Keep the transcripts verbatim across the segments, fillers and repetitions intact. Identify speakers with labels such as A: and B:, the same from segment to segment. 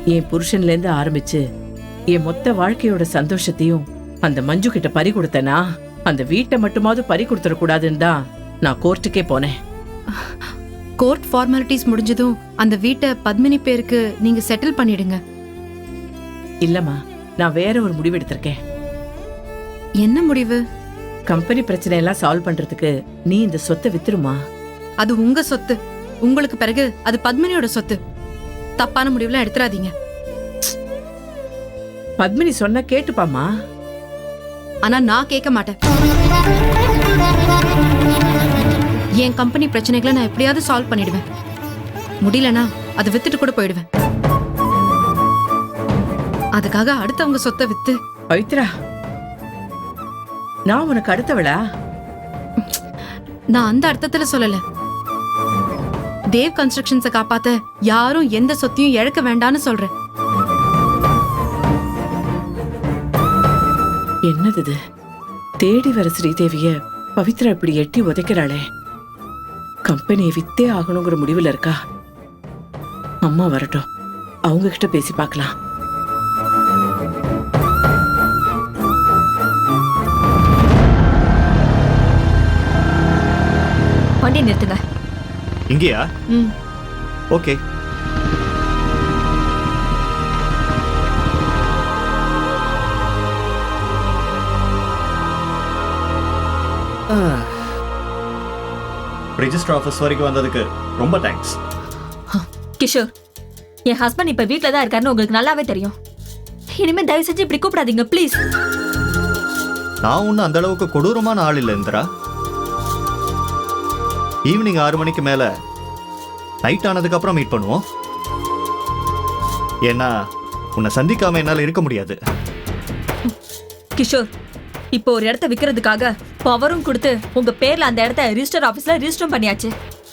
A: என் புருஷன்ல இருந்து ஆரம்பிச்சு என் மொத்த வாழ்க்கையோட சந்தோஷத்தையும் அந்த மஞ்சு கிட்ட பறி கொடுத்தனா, அந்த வீட்டை மட்டுமாவது பறி கொடுத்துட கூடாதுன்னு தான் நான் கோர்ட்டுக்கே போனேன்.
B: கோர்ட் ஃபார்மாலிட்டிஸ் முடிஞ்சதும் அந்த வீட்டை பத்மினி பேருக்கு நீங்க செட்டில் பண்ணிடுங்க.
A: இல்லம்மா, நான் வேற ஒரு முடிவு எடுத்திருக்கேன்.
B: என்ன முடிவு?
A: கம்பெனி பிரச்சனை எல்லாம் சால்வ் பண்றதுக்கு நீ இந்த சொத்தை வித்துருமா.
B: அது உங்க சொத்து. உங்களுக்கு பிறகு அது பத்மினியோட சொத்து. தப்பான முடிவுலாம் எடுத்துறாதீங்க.
A: பத்மினி சொன்னா கேட்டுப்பாமா.
B: ஆனா நான் கேட்க மாட்டேன். என் கம்பெனி பிரச்சனைகளை நான் எப்படியாவது சால்வ் பண்ணிடுவேன். முடியலனா அதை வித்துட்டு கூட போயிடுவேன். அதுக்காக அடுத்தவங்க சொத்தை வித்து.
A: பவித்ரா, நான் உனக்கு அடுத்தவளா?
B: நான் அந்த அர்த்தத்துல சொல்லல. தேவ் கன்ஸ்ட்ரக்ஷன்ஸை காப்பாத்த யாரும் எந்த சொத்தையும் இழக்க வேண்டான்னு சொல்றேன்.
A: என்னது இது? தேடி வர ஸ்ரீதேவிய பவித்ரா இப்படி எட்டி உதைக்கிறாளே. கம்பெனியை வித்தே ஆகணுங்கிற முடிவுல இருக்கா. அம்மா வரட்டும், அவங்க கிட்ட பேசி பார்க்கலாம்.
C: வண்டி நிறுத்துங்க.
D: இங்கயா?
C: ம்.
D: ஓகே. ரெஜிஸ்டர் ஆஃபீஸ் வரைக்கும் வந்ததுக்கு ரொம்ப தேங்க்ஸ்.
C: கிஷோர், என் ஹஸ்பண்ட் இப்ப வீட்ல தான் இருக்காருன்னு உங்களுக்கு நல்லாவே தெரியும். இனிமே தயவு செஞ்சு இப்படி கூப்பிடாதீங்க ப்ளீஸ்.
D: நான் ஒன்னும் அந்த அளவுக்கு கொடூரமான ஆள் இல்லை இந்திரா. ஈவினிங் ஆறு மணிக்கு மேல நைட் ஆனதுக்கு அப்புறம் மீட் பண்ணுவோம். ஏன்னா உன்னை சந்திக்காம என்னால இருக்க முடியாது.
C: கிஷோர், இப்போ ஒரு இடத்த விக்கிறதுக்காக பவரும் கொடுத்து உங்க பேர்ல அந்த இடத்த ரிஜிஸ்டர் ஆபீஸ்ல ரிஜிஸ்டர் பண்ணியாச்சு.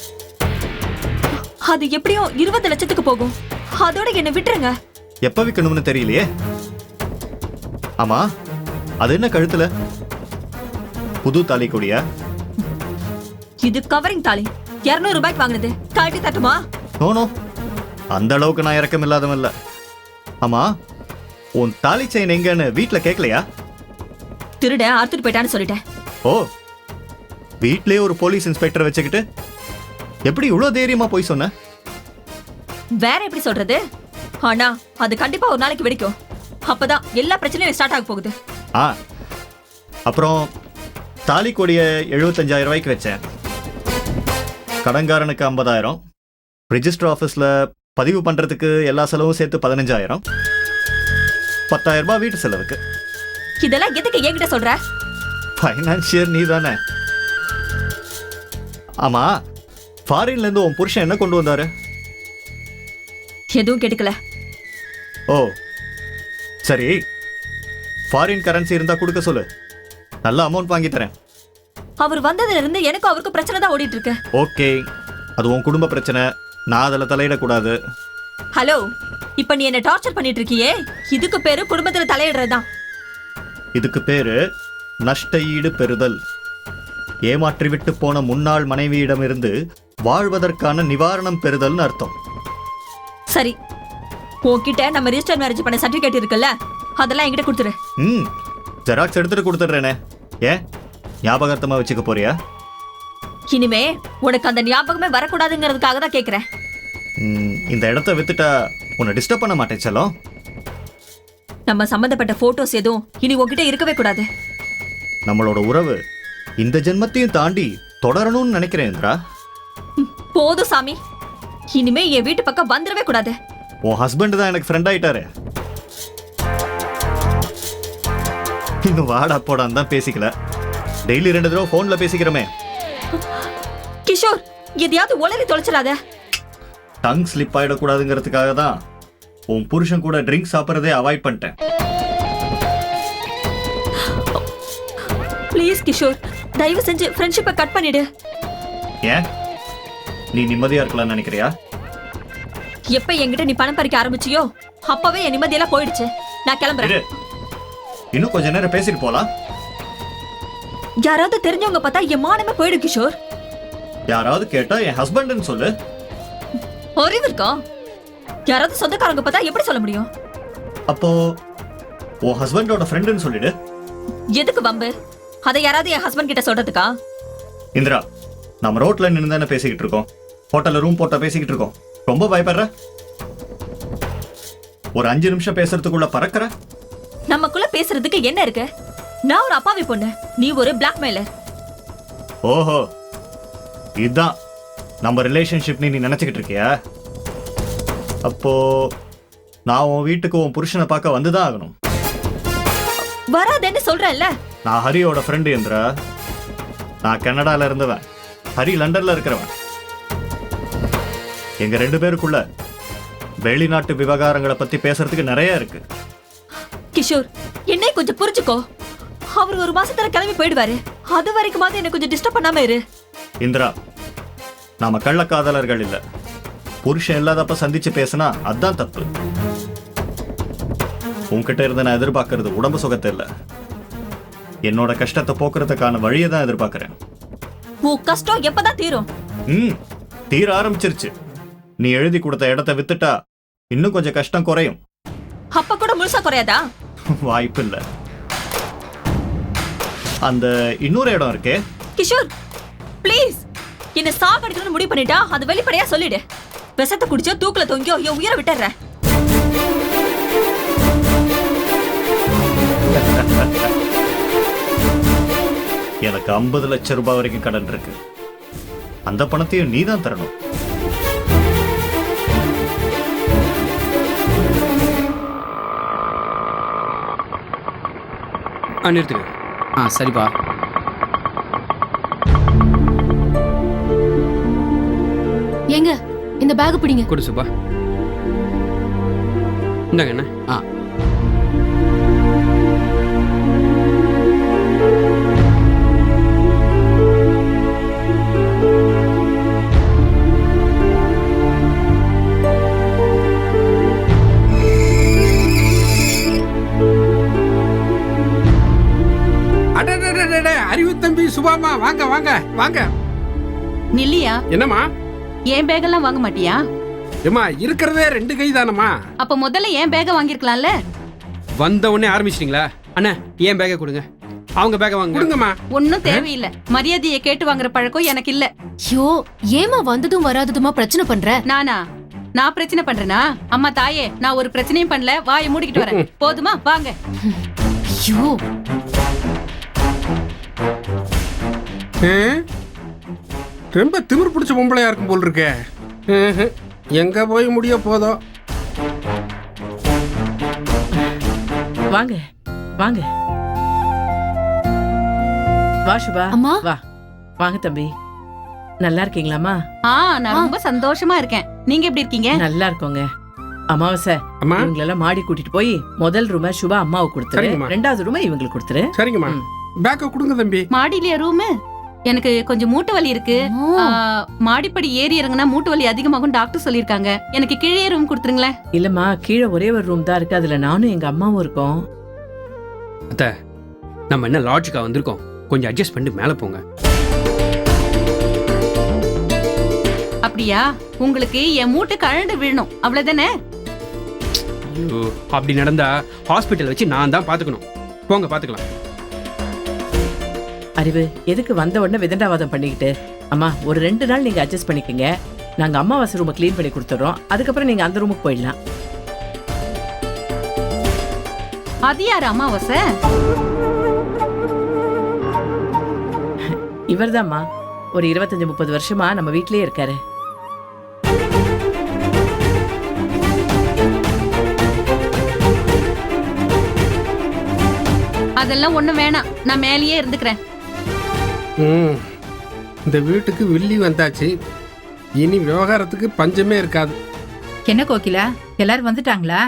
C: அது எப்படியும் இருபது லட்சத்துக்கு போகும். அதோட என்ன விட்டுருங்க.
D: எப்ப விற்கணும்னு தெரியலையே. ஆமா, அது என்ன கழுத்துல? புது தாலி கொடியா?
C: இது கவரிங் தாலி. இருநூறு ரூபாய்க்கு வாங்கினது. காட்டி தட்டுமா?
D: நோனோ, அந்த அளவுக்கு நான் இறக்கம் இல்லாதவன் இல்ல. ஆமா, உன் தாலி செயின் எங்கன்னு வீட்டுல கேட்கலையா?
C: திருட அறுத்துட்டு போயிட்டான்னு சொல்லிட்டேன்.
D: ஓ, வீட்லயே ஒரு போலீஸ் இன்ஸ்பெக்டர் வச்சுக்கிட்டு எப்படி இவ்வளவு தைரியமா போய் சொன்ன?
C: வேற எப்படி சொல்றது? ஆனா அது கண்டிப்பா ஒரு நாளைக்கு வெடிக்கும். அப்பதான் எல்லா பிரச்சனையும் ஸ்டார்ட் ஆக போகுது.
D: ஆ, அப்புறம் தாலி கொடிய எழுபத்தஞ்சாயிரம் ரூபாய்க்கு வச்சேன். கடன்காரனுக்கு ஐம்பதாயிரம், ரிஜிஸ்டர் ஆஃபீஸில் பதிவு பண்ணுறதுக்கு எல்லா செலவும் சேர்த்து பதினஞ்சாயிரம், பத்தாயிரம் ரூபாய் வீட்டு செலவுக்கு.
C: இதெல்லாம் எதுக்கு என்கிட்ட சொல்ற?
D: ஃபைனான்சியர் நீ தானே. ஆமா, ஃபாரின்ல இருந்து உன் புருஷன் என்ன கொண்டு வந்தாரு?
C: எதுவும் கேட்டுக்கல.
D: ஓ சரி, ஃபாரின் கரன்சி இருந்தா கொடுக்க சொல்லு, நல்ல அமௌண்ட் வாங்கி தரேன்.
C: அவர் வந்ததுல இருந்து எனக்கும் அவருக்கு பிரச்சனை தான் ஓடிட்டு இருக்கு.
D: ஓகே, அது உன் குடும்ப பிரச்சனை, நான் அதில் தலையிடக்கூடாது.
C: ஹலோ, இப்ப நீ என்ன டார்ச்சர் பண்ணிட்டு இருக்கியே, இதுக்கு பேரு குடும்பத்துல தலையிடுறதுதான்.
D: இதுக்கு பேரு நஷ்ட ஈடு பெறுதல். ஏமாற்றிவிட்டு போன முன்னாள் மனைவியிடமிருந்து வாழ்வதற்கான நிவாரணம் பெறுதல்னு அர்த்தம்.
C: சரி, உன்கிட்ட நம்ம ரிஜிஸ்டர் மேரேஜ் பண்ண சர்டிபிகேட் இருக்குல்ல, அதெல்லாம் என்கிட்ட கொடுத்துரு.
D: ம், ஜெராக்ஸ் எடுத்துட்டு கொடுத்துட்றேனே. ஏன் ஞாபகார்த்தமா வச்சுக்க போறியா?
C: இனிமே உனக்கு அந்த ஞாபகமே வரக்கூடாதுங்கிறதுக்காக தான் கேட்கிறேன்.
D: இந்த இடத்த வித்துட்டா உன்னை டிஸ்டர்ப் பண்ண மாட்டேன் செல்லம்.
C: நம்ம சம்பந்தப்பட்ட போட்டோஸ் எதுவும் இனி உன்கிட்ட இருக்கவே கூடாது.
D: நம்மளோட உறவு இந்த ஜென்மத்தையும் தாண்டி தொடரணும்னு நினைக்கிறேன் இந்திரா.
C: போதும் சாமி, இனிமே என் வீட்டு பக்கம் வந்துடவே கூடாது.
D: உன் ஹஸ்பண்ட் தான் எனக்கு ஃப்ரெண்ட் ஆயிட்டாரு. இன்னும் வாடா போடான்னு தான் பேசிக்கல, டெய்லி ரெண்டு தடவை போன்ல பேசிக்கிறோமே.
C: கிஷோர், எதையாவது உளறி தொலைச்சிடாத.
D: டங் ஸ்லிப் ஆயிடக்கூடாதுங்கிறதுக்காக தான் உன் புருஷன் கூட ட்ரிங்க் சாப்பிட்றதே அவாய்ட் பண்ணிட்டேன்.
C: ப்ளீஸ் கிஷோர், தயவு செஞ்சு ஃப்ரெண்ட்ஷிப்பை கட் பண்ணிடு.
D: ஏன் நீ நிம்மதியா இருக்கலாம்னு நினைக்கிறியா?
C: எப்ப என்கிட்ட நீ பணம் பறிக்க ஆரம்பிச்சியோ அப்பவே என் நிம்மதியெல்லாம் போயிடுச்சு. நான் கிளம்புறேன்.
D: இன்னும் கொஞ்ச நேரம் பேசிட்டு போலாம்.
C: யாராவது தெரிஞ்சவங்க பார்த்தா என் மானமே போயிடும் கிஷோர்.
D: யாராவது கேட்டா என் ஹஸ்பண்ட்னு சொல்லு.
C: அறிவு இருக்கா? யாராவது சொந்தக்காரங்க பார்த்தா எப்படி சொல்ல முடியும்?
D: அப்போ உன் ஹஸ்பண்டோட ஃப்ரெண்டுன்னு சொல்லிடு.
C: எதுக்கு வம்பு? அதை யாராவது என் ஹஸ்பண்ட் கிட்ட சொல்றதுக்கா?
D: இந்திரா, நம்ம ரோட்ல நின்று தானே பேசிக்கிட்டு இருக்கோம், ஹோட்டல்ல ரூம் போட்டா பேசிக்கிட்டு இருக்கோம். ரொம்ப பயப்படுற? ஒரு அஞ்சு நிமிஷம் பேசுறதுக்குள்ள பறக்கிற?
C: நமக்குள்ள பேசுறதுக்கு என்ன இருக்கு? நான் ஒரு அப்பாவி பொண்ணு, நீ ஒரு பிளாக்மெயிலர்.
D: ஓஹோ, இதுதான் நம்ம ரிலேஷன்ஷிப் நீ நினைச்சுக்கிட்டு இருக்கியா? அப்போ நான் உன் வீட்டுக்கு உன் புருஷனை பார்க்க வந்துதான் ஆகணும்.
C: வராதேன்னு சொல்றேன்ல.
D: நான் ஹரியோட ஃப்ரெண்டு இந்திரா. நான் கனடால இருந்தவன், ஹரி லண்டன்ல இருக்கிறவன். எங்க ரெண்டு பேருக்குள்ள வெளிநாட்டு விவகாரங்களை பத்தி பேசுறதுக்கு நிறைய இருக்கு.
C: கிஷோர், என்னை கொஞ்சம் புரிஞ்சுக்கோ. அவர் ஒரு மாசத்துல கிளம்பி போயிடுவாரு. அது வரைக்கும் என்ன கொஞ்சம் டிஸ்டர்ப் பண்ணாம இரு.
D: இந்திரா, நாம கள்ளக்காதலர்கள் இல்ல. புருஷன் இல்லாதப்ப சந்திச்சு பேசினா அதான் தப்பு. உன்கிட்ட இருந்து நான் எதிர்பார்க்கறது உடம்பு சுகத்தை இல்ல, என்னோட கஷ்டத்தை போக்குறதுக்கான வழியை தான் எதிர்பார்க்கிறேன்.
C: உன் கஷ்டம் எப்பதான் தீரும்?
D: ம் தீர ஆரம்பிச்சிருச்சு. நீ எழுதி கொடுத்த இடத்தை வித்துட்டா இன்னும் கொஞ்சம் கஷ்டம் குறையும்.
C: அப்ப கூட முழுசா குறையாதா?
D: வாய்ப்பு இல்ல. அந்த இன்னொரு இடம் இருக்கே.
C: கிஷோர், ப்ளீஸ், என்ன சாகடிக்கணும்னு முடிவு பண்ணிட்டா அது வெளிப்படையா சொல்லிடு. விஷத்தை குடிச்சோ தூக்குல தொங்கியோ என் உயிரை விட்டுறேன்.
D: எனக்கு ஐம்பது லட்சம் ரூபாய் வரைக்கும் கடன் இருக்கு. அந்த பணத்தையும் நீ தான் தரணும்.
E: ஆ நிறுத்துங்க. ஆ சரிப்பா.
B: ஏங்க இந்த பேக் பிடிங்க.
E: கொடு சுப்பா. இந்தாங்க என்ன. ஆ
F: அறிவு தம்பி சுபாமா, வாங்க வாங்க வாங்க.
B: நில்லியா,
F: என்னம்மா?
B: ஏன் பேக்கெல்லாம் வாங்க மாட்டியா?
F: ஏமா, இருக்கிறதே ரெண்டு கை தானம்மா.
B: அப்ப முதல்ல ஏன் பேக்க வாங்கிருக்கலாம்ல.
E: வந்த உடனே ஆரம்பிச்சிட்டீங்களா? அண்ணா ஏன் பேக்கை கொடுங்க, அவங்க பேக்கை வாங்க.
F: கொடுங்கம்மா.
B: ஒன்னும் தேவையில்லை. மரியாதையை கேட்டு வாங்குற பழக்கம் எனக்கு இல்ல.
G: ஐயோ, ஏமா வந்ததும் வராததுமா பிரச்சனை பண்ற?
B: நானா? நான் பிரச்சனை பண்றேனா? அம்மா தாயே, நான் ஒரு பிரச்சனையும் பண்ணல. வாயை மூடிக்கிட்டு வரேன். போதுமா? வாங்க.
G: ஐயோ,
F: ரொம்ப திமிர் பிடிச்ச பொம்பளையா இருக்கும் போல் இருக்கே. எங்க போய் முடிய போதோ.
A: வாங்க வாங்க. வா சுபா.
G: அம்மா.
A: வா வாங்க தம்பி. நல்லா இருக்கீங்களாமா?
B: ஆ, நான் ரொம்ப சந்தோஷமா இருக்கேன். நீங்க எப்படி இருக்கீங்க?
A: நல்லா இருக்கோங்க. அமாவாசை,
F: அம்மா.
A: இவங்களெல்லாம் மாடி கூட்டிட்டு போய் முதல் ரூம சுபா அம்மாவுக்கு கொடுத்துரு,
F: சரிங்கம்மா.
A: ரெண்டாவது ரூம இவங்களுக்கு கொடுத்துரு.
F: சரிங்கம்மா. பேக்க கொடுங்க தம்பி.
B: மாடியிலேயே ரூமு? எனக்கு கொஞ்சம் மூட்டு வலி இருக்கு. ஆ, மாடிப்படி ஏறி இறங்குனா மூட்டு வலி அதிகமாகும் டாக்டர் சொல்லிருக்காங்க. எனக்கு கீழே ரூம் கொடுத்துருங்களேன்.
A: இல்லம்மா, கீழே ஒரே ஒரு ரூம் தான் இருக்கு. அதுல நானும் எங்க அம்மாவும் இருக்கோம்.
E: அத்தை, நம்ம என்ன லாட்ஜுக்கா வந்திருக்கோம், கொஞ்சம் அட்ஜஸ்ட் பண்ணிட்டு மேலே போங்க.
B: அப்படியா? உங்களுக்கு என் மூட்டு கழண்டு விழணும், அவ்வளவுதானே?
E: ஐயோ, அப்படி நடந்தா ஹாஸ்பிட்டல் வச்சு நான் தான் பாத்துக்கணும். போங்க, பாத்துக்கலாம்.
A: அறிவு, எதுக்கு வந்த உடனே விதண்டாவாதம் பண்ணிக்கிட்டு? அம்மா, ஒரு ரெண்டு நாள் நீங்க அட்ஜஸ்ட் பண்ணிக்கங்க. நாங்க அம்மாவாசை ரூமை கிளீன் பண்ணி கொடுத்துறோம். அதுக்கப்புறம் நீங்க அந்த ரூமுக்கு போயிடலாம்.
B: அது யாரு அமாவாசை?
A: இவர்தாம்மா. ஒரு இருபத்தஞ்சு முப்பது வருஷமா நம்ம வீட்லயே இருக்காரு.
B: அதெல்லாம் ஒண்ணும் வேணாம், நான் மேலேயே இருந்துக்கிறேன்.
F: ம், இந்த வீட்டுக்கு வில்லி வந்தாச்சு. இனி விவகாரத்துக்கு பஞ்சமே இருக்காது.
H: என்ன கோகிலா, எல்லாரும் வந்துட்டாங்களா?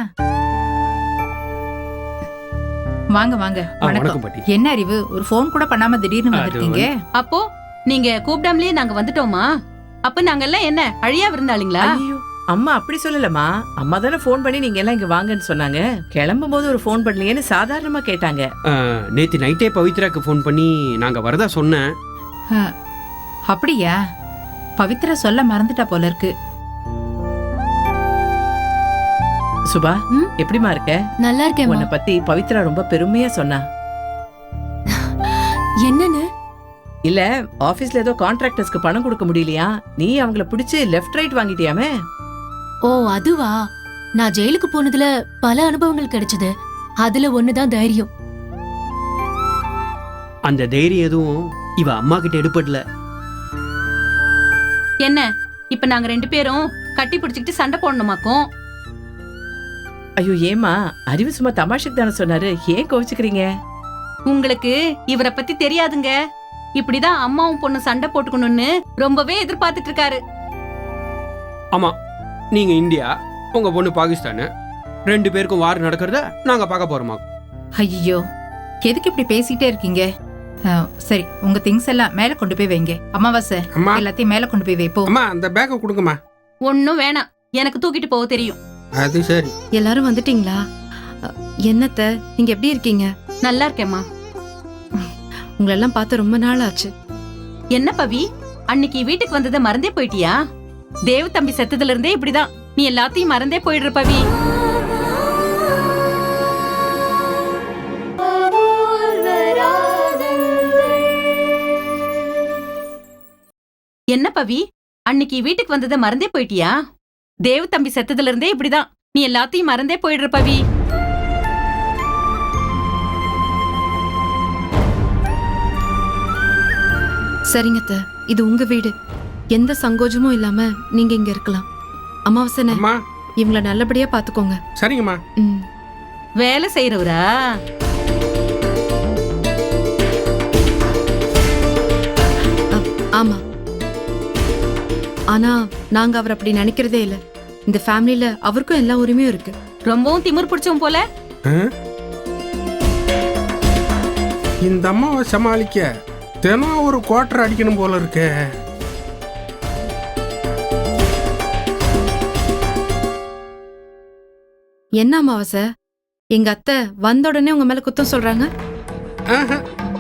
H: வாங்க வாங்க.
E: ஆ,
H: வணக்கம்.
E: வணக்கம் பாட்டி.
H: என்ன அறிவு, ஒரு ஃபோன் கூட பண்ணாம திடீர்னு வந்திருக்கீங்க?
B: அப்போ நீங்க கூப்பிடாமலேயே நாங்க வந்துட்டோமா? அப்ப நாங்க எல்லாம் என்ன அழியா விருந்தாளிங்களா?
A: ஐயோ, அம்மா அப்படி சொல்லலம்மா. அம்மா தானே ஃபோன் பண்ணி நீங்க எல்லாம் இங்க வாங்கன்னு சொன்னாங்க. கிளம்பும் போது ஒரு ஃபோன் பண்ணலையேன்னு சாதாரணமா கேட்டாங்க.
E: ஆ, நேத்து நைட்டே பவித்ராக்கு ஃபோன் பண்ணி நாங்க வரதா சொன்னேன்.
H: அஹ், அப்படியா? பவித்ரா சொல்ல மறந்துட்டா போல இருக்கு.
A: சுபா
G: ம்?
A: எப்படிமா இருக்க?
G: நல்லா இருக்கேன்
A: உன்னை பத்தி பவித்ரா ரொம்ப பெருமையா சொன்னா.
G: என்னன்னு?
A: இல்ல ஆபீஸ்ல ஏதோ கான்ட்ராக்டர்ஸ்க்கு பணம் கொடுக்க முடியலையா, நீ அவங்கள பிடிச்சு லெஃப்ட் ரைட் வாங்கிட்டியாமே.
G: ஓ அதுவா? நான் ஜெயிலுக்கு போனதுல பல அனுபவங்கள் கிடைச்சது. அதுல ஒண்ணுதான் தைரியம்.
E: அந்த தைரியம் எதுவும் இவ அம்மா கிட்ட எடுப்படல.
B: என்ன இப்ப நாங்க ரெண்டு பேரும் கட்டி பிடிச்சிக்கிட்டு சண்டை போடணுமாக்கும்?
A: ஐயோ ஏமா, அறிவு சும்மா தமாஷுக்கு தானே சொன்னாரு, ஏன் கோவிச்சுக்கிறீங்க?
B: உங்களுக்கு இவரை பத்தி தெரியாதுங்க. இப்படிதான் அம்மாவும் பொண்ணு சண்டை போட்டுக்கணும்னு ரொம்பவே எதிர்பார்த்துட்டு இருக்காரு.
E: ஆமா, நீங்க இந்தியா, உங்க பொண்ணு பாகிஸ்தானு, ரெண்டு பேருக்கும் வார் நடக்கிறத நாங்க பார்க்க போறோமா?
H: ஐயோ எதுக்கு இப்படி பேசிட்டே இருக்கீங்க? ஆ, சரி உங்க திங்ஸ் எல்லாம் மேல கொண்டு போய் வைங்க. அமாவாசை
F: அம்மா
H: எல்லாத்தையும் மேல கொண்டு போய் வைப்போம்.
F: அம்மா அந்த பேக்கை கொடுங்கம்மா.
B: ஒன்னும் வேணாம், எனக்கு தூக்கிட்டு போக தெரியும்.
F: அது சரி.
I: எல்லாரும் வந்துட்டீங்களா? அ, என்னத்த நீங்க எப்படி இருக்கீங்க?
B: நல்லா இருக்கேம்மா.
I: உங்களெல்லாம் பார்த்து ரொம்ப நாள் ஆச்சு.
B: என்ன பவி, அன்னைக்கு வீட்டுக்கு வந்ததை மறந்தே போயிட்டியா? தேவ தம்பி செத்ததுல இருந்தே இப்படிதான், நீ எல்லாத்தையும் மறந்தே போயிடுற பவி. என்ன பவி, அன்னைக்கு வீட்டுக்கு வந்ததை மறந்தே போயிட்டியா? தேவ தம்பி செத்ததுல இருந்தே இப்படிதான், நீ எல்லாத்தையும் மறந்தே போயிடுற பவி.
I: சரிங்கத்த, இது உங்க வீடு. எந்த சங்கோஜமும் இல்லாம நீங்க இங்க இருக்கலாம். அமாவாசனை,
F: அம்மா
I: இவங்கள நல்லபடியா பாத்துக்கோங்க.
F: சரிங்கம்மா.
I: ம்.
B: வேலை செய்யறவரா?
I: அ, ஆமா. ஆனா நாங்க அவர் அப்படி நினைக்கிறதே இல்ல. இந்த ஃபேமிலில அவருக்கும் எல்லா உரிமையும் இருக்கு.
B: ரொம்பவும் திமிர் பிடிச்சவன் போல.
F: ஆ? இந்த அம்மாவை சமாளிக்க தினம் ஒரு குவார்டர் அடிக்கணும் போல இருக்கே.
I: என்ன அமாவாசை, எங்க அத்தை வந்த உடனே உங்க மேல குத்தம் சொல்றாங்க?
F: ஆஹா.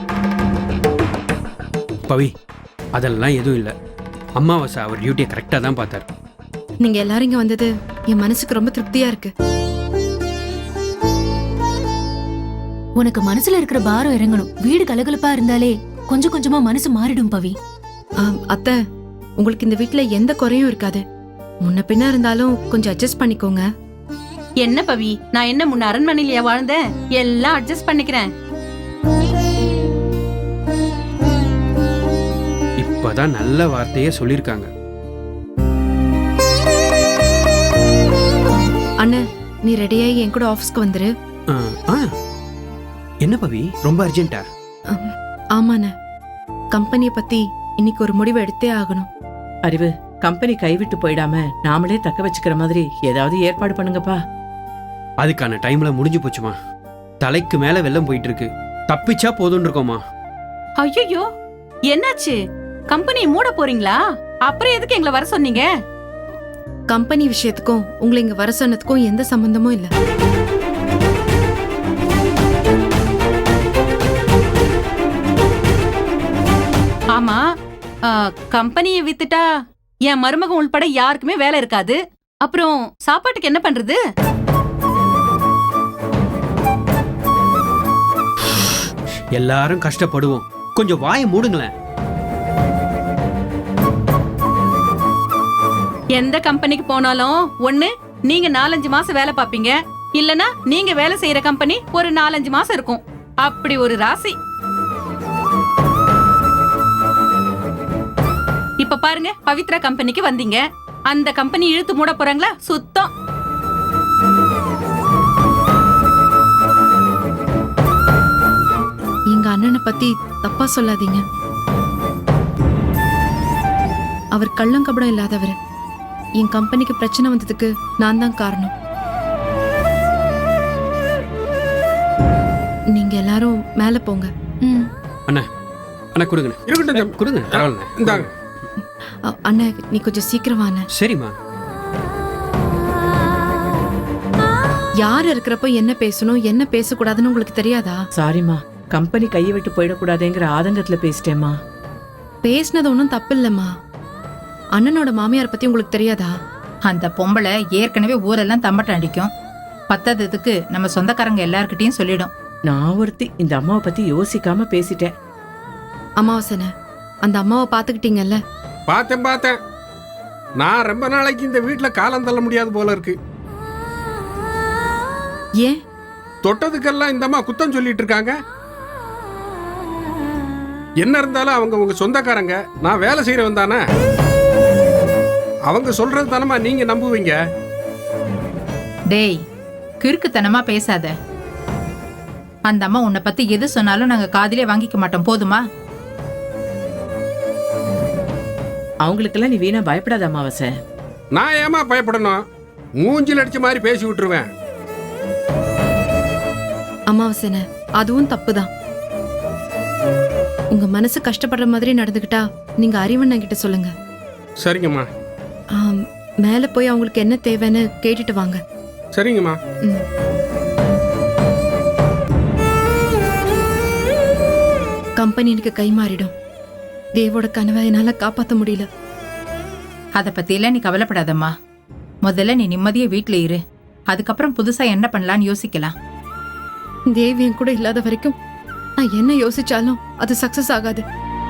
E: பவி, அதெல்லாம் எதுவும் இல்லை. அம்மாவாசை அவர் டியூட்டியை கரெக்டாக தான் பார்த்தார்.
I: நீங்க எல்லாரும் இங்க வந்தது என் மனசுக்கு ரொம்ப திருப்தியா இருக்கு.
G: உனக்கு மனசுல இருக்கிற பாரம் இறங்கணும். வீடு கலகலப்பா இருந்தாலே கொஞ்சம் கொஞ்சமா மனசு மாறிடும் பவி.
I: ஆம், அத்தை உங்களுக்கு இந்த வீட்ல எந்த குறையும் இருக்காது. முன்ன பின்ன இருந்தாலும் கொஞ்சம் அட்ஜஸ்ட் பண்ணிக்கோங்க.
B: என்ன பவி, நான் என்ன முன்ன அரண்மனையிலயா வாழ்ந்தேன்? எல்லாம் அட்ஜஸ்ட் பண்ணிக்கிறேன்.
E: இப்பதான் நல்ல வார்த்தையே சொல்லியிருக்காங்க.
I: அண்ணன், நீ ரெடியாகி என் கூட ஆஃபீஸ்க்கு வந்துரு.
E: ஆ, ஆ. என்ன பவி, ரொம்ப அர்ஜென்ட்டா?
I: ஆம், ஆமாண்ண, கம்பெனியை பத்தி இன்னைக்கு ஒரு முடிவு எடுத்தே ஆகணும்.
A: அறிவு, கம்பெனி கைவிட்டு போயிடாம நாமளே தக்க வச்சுக்கிற மாதிரி ஏதாவது ஏற்பாடு பண்ணுங்கப்பா.
E: அதுக்கான டைம்ல முடிஞ்சு போச்சுமா. தலைக்கு மேல வெள்ளம் போயிட்டு இருக்கு. தப்பிச்சா போதும்னு இருக்கோமா.
B: ஐயோ, என்னாச்சு? கம்பெனி மூட போறீங்களா? அப்புறம் எதுக்கு எங்களை வர சொன்னீங்க?
I: கம்பெனி விஷயத்துக்கும் உங்களை இங்க வர சொன்னதுக்கும் எந்த சம்பந்தமும் இல்ல.
B: ஆமா, கம்பெனியை வித்துட்டா என் மருமகன் உள்பட யாருக்குமே வேலை இருக்காது. அப்புறம் சாப்பாட்டுக்கு என்ன பண்றது?
E: எல்லாரும் கஷ்டப்படுவோம். கொஞ்சம் வாயை மூடுங்களேன்.
B: எந்த கம்பெனிக்கு போனாலும் ஒண்ணு நீங்க நாலஞ்சு மாசம் வேலை பாப்பீங்க, இல்லனா நீங்க வேலை செய்யற கம்பெனி ஒரு நாலஞ்சு மாசம் இருக்கும். அப்படி ஒரு ராசி. இப்ப பாருங்க, பவித்ரா கம்பெனிக்கு வந்தீங்க. அந்த கம்பெனி இழுத்து மூட போறாங்களா? சுத்தம்.
I: எங்க அண்ணனை பத்தி தப்பா சொல்லாதீங்க. அவர் கள்ளங்கபடம் இல்லாதவர். என் கம்பெனிக்கு பிரச்சனை வந்ததுக்கு நான் தான் காரணம். நீங்க எல்லாரும் மேல போங்க.
G: ம்.
E: அண்ணா, அண்ணா கொடுங்க.
F: இருக்கட்டும் தம்பி.
E: கொடுங்க, பரவாயில்ல.
F: இந்தாங்க.
I: அ- அண்ணா, நீ கொஞ்சம் சீக்கிரம் வாண்ண.
E: சரிம்மா.
I: யார் இருக்கிறப்போ என்ன பேசணும் என்ன பேசக்கூடாதுன்னு உங்களுக்கு தெரியாதா?
A: சாரிம்மா, கம்பெனி கையை விட்டு போயிடக்கூடாதுங்கிற ஆதங்கத்துல பேசிட்டேம்மா.
I: பேசினது ஒன்றும் தப்பு இல்லம்மா. அண்ணனோட மாமியார் பத்தி உங்களுக்கு தெரியாதா?
H: அந்த பொம்பளை ஏற்கனவே ஊரெல்லாம் தம்பட்டம் அடிக்கும். பத்தாததுக்கு நம்ம சொந்தக்காரங்க எல்லார்கிட்டயும் சொல்லிடும்.
A: நான் ஒருத்தி இந்த அம்மாவை பத்தி யோசிக்காம பேசிட்டேன்.
I: அமாவாசனை அந்த அம்மாவை பாத்துக்கிட்டீங்கல்ல?
F: பார்த்தேன் பார்த்தேன். நான் ரொம்ப நாளைக்கு இந்த வீட்டில் காலம் தள்ள முடியாது போல இருக்கு.
I: ஏன்?
F: தொட்டதுக்கெல்லாம் இந்த அம்மா குத்தம் சொல்லிட்டு இருக்காங்க. என்ன இருந்தாலும் அவங்க உங்க சொந்தக்காரங்க, நான் வேலை செய்யறவன் தானே. அவங்க சொல்றது தானமா நீங்க நம்புவீங்க.
H: டேய், கிறுக்குத்தனமா பேசாத. அந்த அம்மா உன்னை பத்தி எது சொன்னாலும் நாங்க காதிலே வாங்கிக்க மாட்டோம், போதுமா?
A: அவங்களுக்கெல்லாம் நீ வீணா பயப்படாத அமாவாசை.
F: நான் ஏமா பயப்படணும்? மூஞ்சில் அடிச்ச மாதிரி பேசி விட்டுருவேன்.
I: அமாவாசனை அதுவும் தப்புதான். உங்க மனசு கஷ்டப்படுற மாதிரி நடந்துக்கிட்டா நீங்க அறிவண்ணன் கிட்ட சொல்லுங்க.
F: சரிங்கம்மா.
I: ஆம், மேல போய் அவங்களுக்கு என்ன தேவைன்னு கேட்டுட்டு வாங்க.
F: சரிங்கம்மா.
I: ம். கம்பெனி எனக்கு கை மாறிடும். தேவோட கனவை என்னால காப்பாற்ற முடியல.
H: அதை பத்தியெல்லாம் நீ கவலைப்படாதம்மா. முதல்ல நீ நிம்மதியா வீட்டுல இரு. அதுக்கப்புறம் புதுசா என்ன பண்ணலான்னு யோசிக்கலாம்.
I: தேவி என் கூட இல்லாத வரைக்கும் நான் என்ன யோசிச்சாலும் அது சக்சஸ் ஆகாது.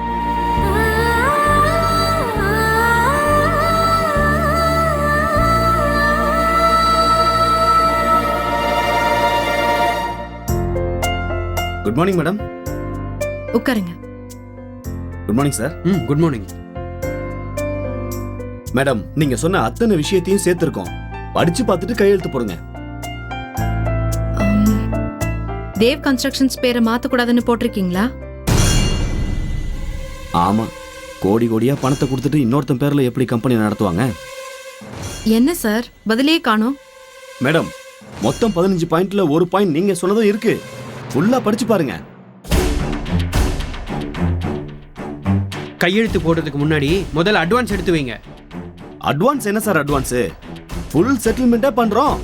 J: Good morning madam.
I: உட்காருங்க.
J: Good morning sir.
E: ம் குட் மார்னிங்
J: மேடம், நீங்க சொன்ன அத்தனை விஷயத்தையும் சேர்த்திருக்கோம். படிச்சு பார்த்துட்டு கையெழுத்து போடுங்க.
I: ஆம், தேவ் கன்ஸ்ட்ரக்ஷன்ஸ் பேரை மாத்தக்கூடாதுன்னு போட்டிருக்கீங்களா?
J: ஆமா, கோடி கோடியா பணத்தை கொடுத்துட்டு இன்னொருத்தன் பேர்ல எப்படி கம்பெனி நடத்துவாங்க?
I: என்ன சார் பதிலே காணோம்?
J: மேடம், மொத்தம் பதினஞ்சு பாயிண்ட்ல ஒரு பாயிண்ட் நீங்க சொன்னதும் இருக்கு. ஃபுல்லா படிச்சு பாருங்க.
E: கையெழுத்து போடுறதுக்கு முன்னாடி முதல்ல அட்வான்ஸ் எடுத்து வைங்க.
J: அட்வான்ஸ் என்ன சார் அட்வான்ஸ்? ஃபுல் செட்டில்மெண்டா பண்றோம்.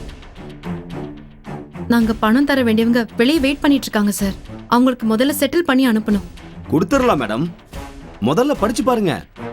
I: நாங்க பணம் தர வேண்டியவங்க வெளியே வெயிட் பண்ணிட்டு இருக்காங்க சார். அவங்களுக்கு முதல்ல செட்டில் பண்ணி அனுப்பணும்.
J: கொடுத்துடலாம் மேடம். முதல்ல படிச்சு பாருங்க.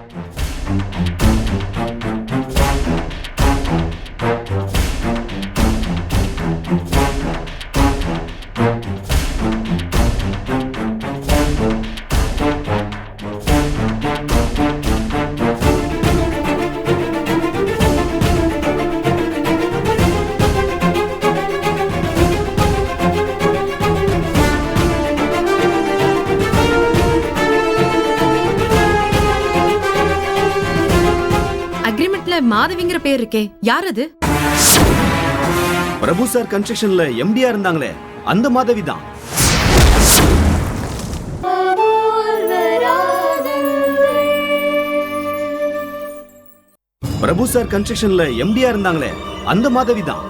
I: மாதவிங்கிற பேர் இருக்கே, யார் அது?
J: பிரபு சார் கன்ஸ்ட்ரக்ஷன்ல எம்டியா இருந்தாங்களே, அந்த மாதவி தான். பிரபு சார் கன்ஸ்ட்ரக்ஷன்ல எம்டியா இருந்தாங்களே, அந்த மாதவி தான்.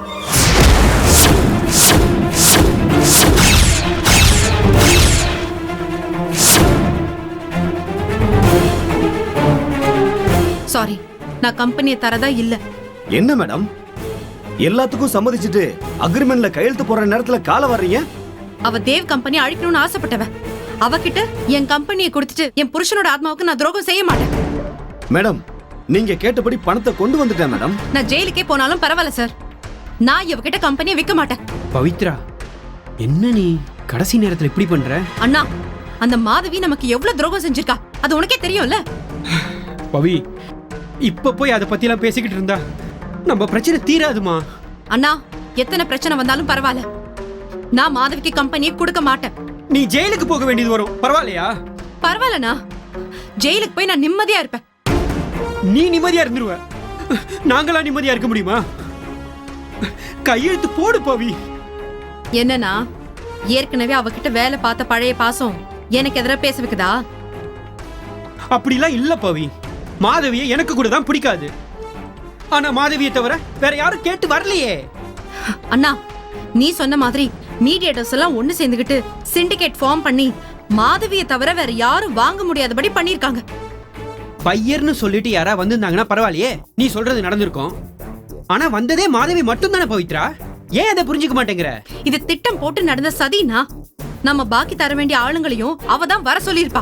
I: சாரி, நான் கம்பெனியை தரதா இல்ல.
J: என்ன மேடம், எல்லாத்துக்கும் சம்மதிச்சுட்டு அக்ரிமெண்ட்ல கையெழுத்து போற நேரத்துல கால வர்றீங்க?
I: அவ தேவ் கம்பெனி அழிக்கணும்னு ஆசைப்பட்டவ. அவகிட்ட என் கம்பெனியை கொடுத்துட்டு என் புருஷனோட ஆத்மாவுக்கு நான் துரோகம் செய்ய மாட்டேன்.
J: மேடம், நீங்க கேட்டபடி பணத்தை கொண்டு வந்துட்டேன் மேடம்.
I: நான் ஜெயிலுக்கே போனாலும் பரவாயில்ல சார். நான் இவகிட்ட கம்பெனியை விற்க மாட்டேன்.
E: பவித்ரா, என்ன நீ கடைசி நேரத்துல இப்படி பண்ற?
I: அண்ணா, அந்த மாதவி நமக்கு எவ்வளவு துரோகம் செஞ்சிருக்கா அது உனக்கே தெரியும்ல.
E: பவி, இப்ப போய் அதை பத்தி எல்லாம் பேசிக்கிட்டு இருந்தா நம்ம பிரச்சனை தீராதுமா.
I: அண்ணா, எத்தனை பிரச்சனை வந்தாலும் பரவாயில்ல, நான் மாதவிக்கு கம்பெனியை கொடுக்க மாட்டேன்.
E: நீ ஜெயிலுக்கு போக வேண்டியது வரும், பரவாயில்லையா?
I: பரவாயில்லண்ணா, ஜெயிலுக்கு போய் நான் நிம்மதியா இருப்பேன்.
E: நீ நிம்மதியா இருந்துருவ, நாங்களா நிம்மதியா இருக்க முடியுமா? கையெழுத்து போடு பவி.
I: என்னன்னா, ஏற்கனவே அவகிட்ட வேலை பார்த்த பழைய பாசம் எனக்கு எதிராக பேச வைக்குதா?
E: அப்படிலாம் இல்ல பவி. மாதவியை எனக்கு கூட தான் பிடிக்காது. ஆனா மாதவியை தவிர வேற யாரும் கேட்டு வரலையே.
I: அண்ணா, நீ சொன்ன மாதிரி மீடியேட்டர்ஸ் எல்லாம் ஒண்ணு சேர்ந்துகிட்டு சிண்டிகேட் ஃபார்ம் பண்ணி மாதவியை தவிர வேற யாரும் வாங்க முடியாதபடி பண்ணிருக்காங்க.
E: பையர்னு சொல்லிட்டு யாரா வந்திருந்தாங்கன்னா பரவாயில்லையே, நீ சொல்றது நடந்திருக்கும். ஆனா வந்ததே மாதவி மட்டும் தானே பவித்ரா. ஏன் அதை புரிஞ்சுக்க மாட்டேங்கிற? இது
I: திட்டம் போட்டு நடந்த சதினா, நம்ம பாக்கி தர வேண்டிய ஆளுங்களையும் அவ தான் வர சொல்லியிருப்பா.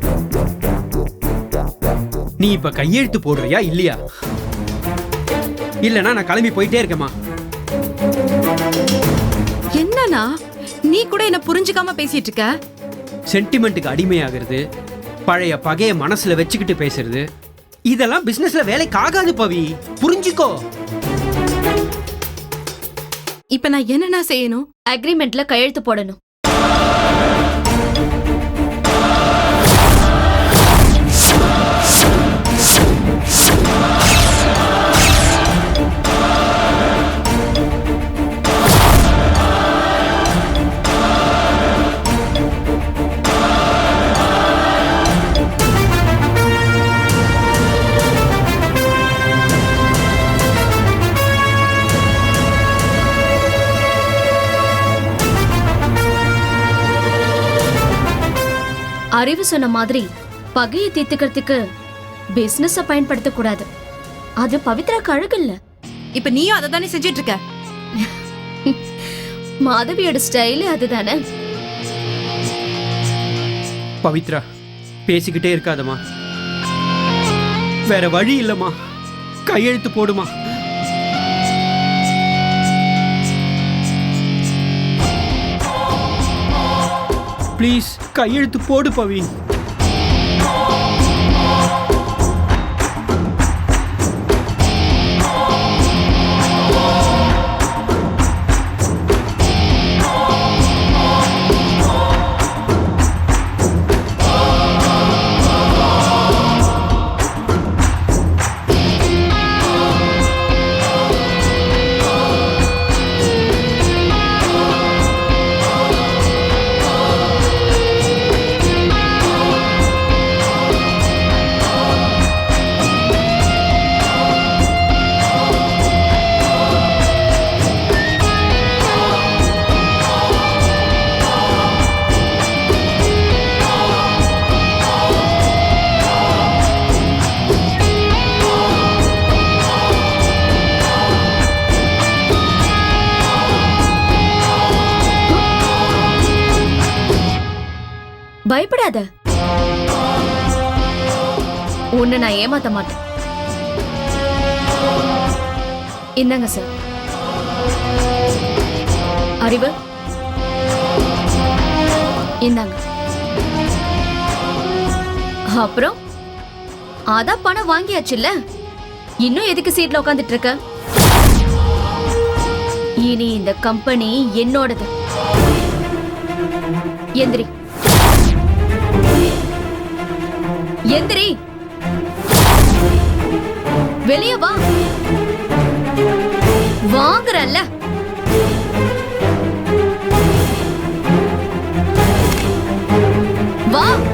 E: நீ இப்ப கையெழுத்து போடுறியா இல்லையா? இல்லைன்னா நான் கிளம்பி போயிட்டே இருக்கேம்மா.
I: என்னண்ணா நீ கூட என்ன புரிஞ்சுக்காம பேசிட்டு இருக்க?
E: சென்டிமெண்ட்டுக்கு அடிமையாகிறது, பழைய பகைய மனசுல வச்சுக்கிட்டு பேசுறது, இதெல்லாம் பிசினஸ்ல வேலைக்கு ஆகாது பவி, புரிஞ்சுக்கோ.
I: இப்ப நான் என்னண்ணா செய்யணும்?
C: அக்ரிமெண்ட்ல கையெழுத்து போடணும். அறிவு சொன்ன மாதிரி பகையை தீர்த்துக்கிறதுக்கு பிசினஸ் பயன்படுத்த கூடாது. அது பவித்ரா அழகு இல்ல.
I: இப்ப நீயும் அதை தானே செஞ்சிட்டு இருக்க.
C: மாதவியோட ஸ்டைல் அதுதானே.
E: பவித்ரா பேசிக்கிட்டே இருக்காதம்மா, வேற வழி இல்லம்மா, கையெழுத்து போடுமா. ப்ளீஸ் கையெழுத்து போடு பவி.
C: பயப்படாத, உன்னை நான் ஏமாத்த மாட்டேன். இந்தாங்க சார். அறிவு இந்தாங்க. அப்புறம் அதான் பணம் வாங்கியாச்சுல்ல, இன்னும் எதுக்கு சீட்ல உட்காந்துட்டு இருக்க? இனி இந்த கம்பெனி என்னோடது. எந்திரி எந்திரி, வெளியே வா. வாங்குறல்ல. வா.